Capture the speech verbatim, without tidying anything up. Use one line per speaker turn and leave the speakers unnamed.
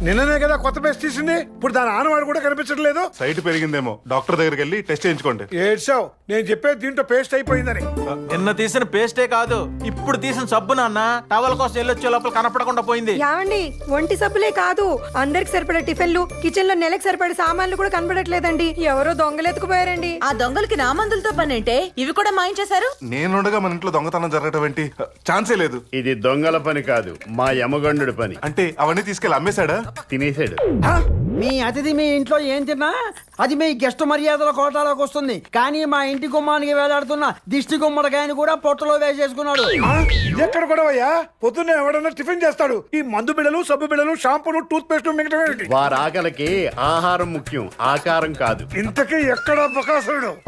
నిన్ననే కదా కొత్త పేస్ట్ తీసింది, ఇప్పుడు దాని ఆనవాడు కూడా కనిపించట్లేదు.
సైట్ పెరిగిందేమో, డాక్టర్ దగ్గరికి వెళ్ళి టెస్ట్ చేయించుకోండి.
ఏడ్చావు, నేను చెప్పేది దీంట్లో పేస్ట్ అయిపోయిందని.
నిన్న తీసిన పేస్టే కాదు, ఇప్పుడు తీసిన సబ్బు నాన్న టవల్ కోసం వెళ్ళొచ్చే లోపల కనపడకుండా పోయింది.
యావండి, ఒంటి సబ్బులే కాదు, అందరికి సరిపడే టిఫిన్లు, కిచెన్ లో నెలకు సరిపడే సామాన్లు కూడా కనపడట్లేదండి. ఎవరో దొంగలెత్తుకుపోయారండి.
ఆ దొంగలకి నా మందులతో పని అంటే ఇవి కూడా మాయించేశారు.
నేనుండగా మన ఇంట్లో దొంగతనం జరగటం ఏంటి? ఛాన్సే లేదు.
ఇది దొంగల పని కాదు, మా యమగండు పని.
అంటే అవన్నీ తీసుకెళ్ళి అమ్మేశాడా?
తినేసాడు.
మీ అతిథి మీ ఇంట్లో ఏం తిన్నా అది మీ గెస్ట్ మర్యాదల కోటాలోకి వస్తుంది. కానీ మా ఇంటి గుమ్మానికి వేలాడుతున్న దిష్టి గుమ్మడికాయని కూడా పొట్టలో వేసేసుకున్నాడు.
ఎక్కడ కూడా అయ్యా, పొద్దున్నే ఎవడన్నా టిఫిన్ చేస్తాడు, ఈ మందు బిడలు, సబ్బు బిడలు, షాంపూలు, టూత్ పేస్ట్ మిగతా
వారి ఆకలికి ఆహారం ముఖ్యం, ఆకారం కాదు.
ఇంతకీ ఎక్కడ బకాసుడు?